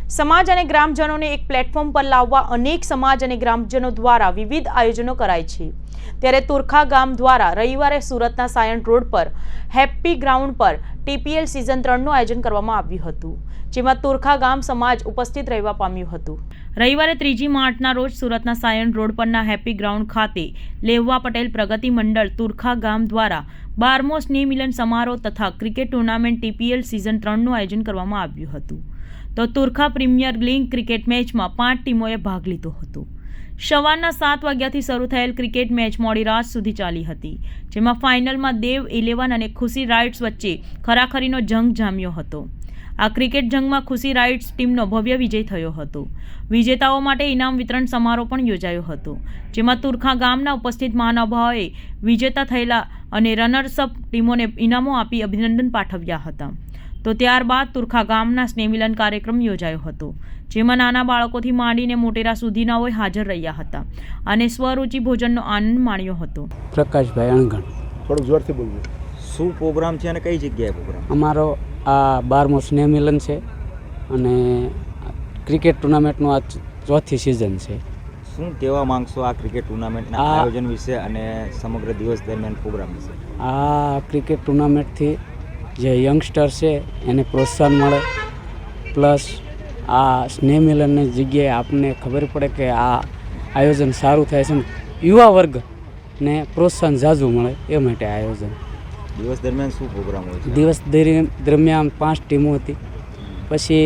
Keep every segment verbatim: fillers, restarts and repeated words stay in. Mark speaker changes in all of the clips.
Speaker 1: સમાજ અને ગ્રામજનોને એક પ્લેટફોર્મ પર લાવવા અનેક સમાજ અને ગ્રામજનો દ્વારા વિવિધ આયોજનો કરાય છે। ત્યારે તુરખા ગામ દ્વારા રવિવારે સુરતના સાયણ રોડ પર હેપ્પી ગ્રાઉન્ડ પર ટીપીએલ સિઝન ત્રણનું આયોજન કરવામાં આવ્યું હતું, જેમાં તુરખા ગામ સમાજ ઉપસ્થિત રહેવા પામ્યું હતું। રવિવારે ત્રીજી માર્ચના રોજ સુરતના સાયણ રોડ પરના હેપ્પી ગ્રાઉન્ડ ખાતે લેવવા પટેલ પ્રગતિ મંડળ તુરખા ગામ દ્વારા બારમો સ્નેહ મિલન સમારોહ તથા ક્રિકેટ ટુર્નામેન્ટ ટીપીએલ સિઝન ત્રણનું આયોજન કરવામાં આવ્યું હતું। તો તુરખા પ્રીમિયર લીગ ક્રિકેટ મેચમાં પાંચ ટીમોએ ભાગ લીધો હતો। સવારના સાત વાગ્યાથી શરૂ થયેલ ક્રિકેટ મેચ મોડી રાત સુધી ચાલી હતી, જેમાં ફાઇનલમાં દેવ ઇલેવન અને ખુશી રાઇડ્સ વચ્ચે ખરાખરીનો જંગ જામ્યો હતો। આ ક્રિકેટ જંગમાં ખુશી રાઇડ્સ ટીમનો ભવ્ય વિજય થયો હતો। વિજેતાઓ માટે ઇનામ વિતરણ સમારોહ પણ યોજાયો હતો, જેમાં તુરખા ગામના ઉપસ્થિત મહાનુભાવોએ વિજેતા થયેલા અને રનર્સઅપ ટીમોને ઇનામો આપી અભિનંદન પાઠવ્યા હતા। તો ત્યારબાદ તુરખા ગામના સ્નેહમિલન કાર્યક્રમ યોજાયો હતો, જેમાં નાના બાળકોથી માંડીને મોટેરા સુધીનાઓએ હાજર રહ્યા હતા અને સ્વરૂચિ ભોજનનો આનંદ માણ્યો હતો।
Speaker 2: પ્રકાશભાઈ અણગણ,
Speaker 3: થોડું જોરથી બોલજો।
Speaker 4: શું પ્રોગ્રામ છે અને કઈ જગ્યાએ પ્રોગ્રામ?
Speaker 2: અમારો આ બારમો સ્નેહ મિલન છે અને ક્રિકેટ ટુર્નામેન્ટનું આ ચોથી સિઝન છે।
Speaker 4: શું કહેવા માંગશો આ ક્રિકેટ ટુર્નામેન્ટના આયોજન વિશે અને સમગ્ર દિવસ દરમિયાન પ્રોગ્રામ વિશે?
Speaker 2: આ ક્રિકેટ ટુર્નામેન્ટથી જે યંગસ્ટર છે એને પ્રોત્સાહન મળે, પ્લસ આ સ્નેહ મિલનની જગ્યાએ આપણને ખબર પડે કે આ આયોજન સારું થાય છે, યુવા વર્ગને પ્રોત્સાહન ઝાઝું મળે એ માટે આયોજન।
Speaker 4: દિવસ દરમિયાન શું પ્રોગ્રામ હોય છે?
Speaker 2: દિવસ દરમિયાન પાંચ ટીમો હતી, પછી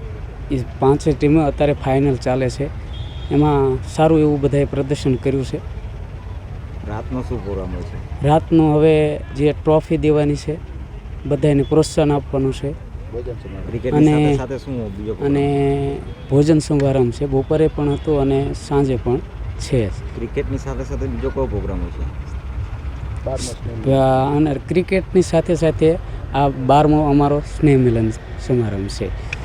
Speaker 2: એ પાંચે ટીમો અત્યારે ફાઇનલ ચાલે છે, એમાં સારું એવું બધાએ પ્રદર્શન કર્યું છે।
Speaker 4: રાતનો શું પ્રોગ્રામ હોય છે?
Speaker 2: રાતનો હવે જે ટ્રોફી દેવાની છે, બધાને પ્રોત્સાહન આપવાનું છે
Speaker 4: ક્રિકેટની સાથે સાથે શું બીજો
Speaker 2: અને ભોજન સમારંભ છે, બપોરે પણ હતું અને સાંજે પણ છે।
Speaker 4: ક્રિકેટની સાથે સાથે બીજો કયો પ્રોગ્રામ હોય છે?
Speaker 2: અને ક્રિકેટની સાથે સાથે આ બારમો અમારો સ્નેહ મિલન સમારંભ છે।